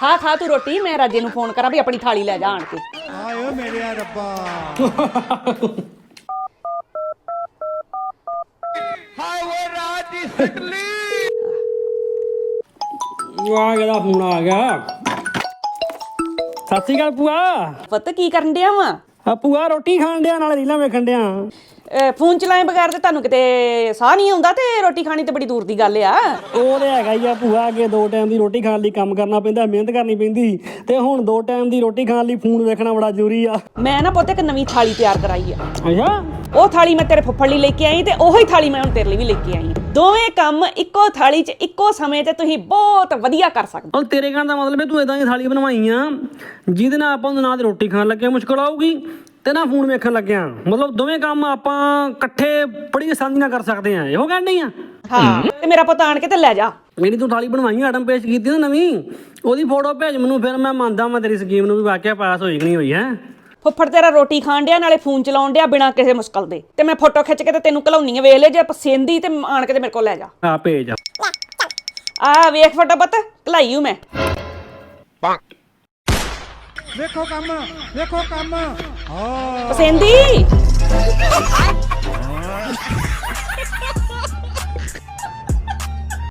खा खा तू रोटी, मैं राजे नूं फोन करा भी अपनी थाली लै जा आण के। आयो मेरे रब्बा हाय वो रात दी सटली ਆ ਗਿਆ ਫੋਨ ਆ ਗਿਆ। ਸਤਿ ਸ਼੍ਰੀ ਅਕਾਲ ਭੂਆ। ਪੁੱਤ ਕੀ ਕਰਨ ਡਿਆ ਵਾ? ਆ ਭੂਆ ਰੋਟੀ ਖਾਣ ਡਿਆ ਨਾਲ ਰੀਲਾਂ ਵੇਖਣ ਡਿਆ। ਫੋਨ ਚਲਾਏ ਬਗੈਰ ਤੇ ਤੁਹਾਨੂੰ ਕਿਤੇ ਸਾਹ ਨਹੀਂ ਆਉਂਦਾ ਤੇ ਰੋਟੀ ਖਾਣੀ ਤੇ ਬੜੀ ਦੂਰ ਦੀ ਗੱਲ ਆ। ਉਹ ਤੇ ਹੈਗਾ ਹੀ ਆ ਭੂਆ, ਅੱਗੇ 2 ਟਾਈਮ ਦੀ ਰੋਟੀ ਖਾਣ ਲਈ ਕੰਮ ਕਰਨਾ ਪੈਂਦਾ, ਮਿਹਨਤ ਕਰਨੀ ਪੈਂਦੀ, ਤੇ ਹੁਣ 2 ਟਾਈਮ ਦੀ ਰੋਟੀ ਖਾਣ ਲਈ ਫੋਨ ਵੇਖਣਾ ਬੜਾ ਜ਼ਰੂਰੀ ਆ। ਮੈਂ ਨਾ ਪੁੱਤ ਇੱਕ ਨਵੀਂ ਥਾਲੀ ਤਿਆਰ ਕਰਾਈ ਆ। ਅੱਛਾ, ਉਹ ਥਾਲੀ ਮੈਂ ਤੇਰੇ ਫੁੱਫੜ ਲਈ ਲੈ ਕੇ ਆਈ ਤੇ ਉਹੀ ਥਾਲੀ ਮੈਂ ਹੁਣ ਤੇਰੇ ਲਈ ਵੀ ਲੈ ਕੇ ਆਈ। ਦੋਵੇਂ ਕੰਮ ਇੱਕੋ ਥਾਲੀ 'ਚ ਇੱਕੋ ਸਮੇਂ ਤੇ ਤੁਸੀਂ ਬਹੁਤ ਵਧੀਆ ਕਰ ਸਕਦੇ। ਹੁਣ ਤੇਰੇ ਕਹਿਣ ਦਾ ਮਤਲਬ ਹੈ ਤੂੰ ਇਦਾਂ ਦੀ ਥਾਲੀ ਬਣਵਾਈ ਆ ਜਿਹਦੇ ਨਾਲ ਆਪਾਂ ਨੂੰ ਨਾ ਤੇ ਰੋਟੀ ਖਾਣ ਲੱਗੇ ਮੁਸ਼ਕਲ ਆਊਗੀ ਤੇ ਨਾ ਫੋਨ ਵੇਖਣ ਲੱਗਿਆ, ਮਤਲਬ ਦੋਵੇਂ ਕੰਮ ਆਪਾਂ ਇਕੱਠੇ ਬੜੀ ਆਸਾਨੀ ਨਾਲ ਕਰ ਸਕਦੇ ਆ, ਇਹੋ ਕਹਿਣ ਡਈ ਆ? ਹਾਂ, ਤੇ ਮੇਰਾ ਪੁੱਤ ਆਣ ਕੇ ਤੇ ਲੈ ਜਾ। ਜਿਹੜੀ ਤੂੰ ਥਾਲੀ ਬਣਵਾਈ ਆਟਮ ਪੇਸ਼ ਕੀਤੀ ਨਾ ਨਵੀਂ, ਉਹਦੀ ਫੋਟੋ ਭੇਜ ਮੈਨੂੰ, ਫਿਰ ਮੈਂ ਮੰਨਦਾ ਮੈਂ ਤੇਰੀ ਸਕੀਮ ਨੂੰ ਵੀ ਵਾਕਿਆ ਪਾਸ ਹੋਈ ਕਿ ਨਹੀਂ ਹੋਈ ਹੈ। ਫੁੱਫੜ ਤੇਰਾ ਰੋਟੀ ਖਾਣ ਡਿਆ ਨਾਲੇ ਫੋਨ ਚਲਾਉਣ ਡਿਆ ਬਿਨਾਂ ਕਿਸੇ ਮੁਸ਼ਕਲ ਦੇ, ਤੇ ਮੈਂ ਫੋਟੋ ਖਿੱਚ ਕੇ ਤੇ ਤੈਨੂੰ ਘਲਾਉਣੀ ਆ, ਵੇਖ ਲੈ ਜੇ ਪਸੰਦੀ ਤੇ ਆਣ ਕੇ ਤੇ ਮੇਰੇ ਕੋਲ ਲੈ ਜਾ। ਆ ਭੇਜ ਆ ਵੇਖ ਫੋਟੋ ਪੁੱਤ ਘਲਾਈ ਹੂੰ ਮੈਂ। देखो काम हाँ ਪਸੰਦੀ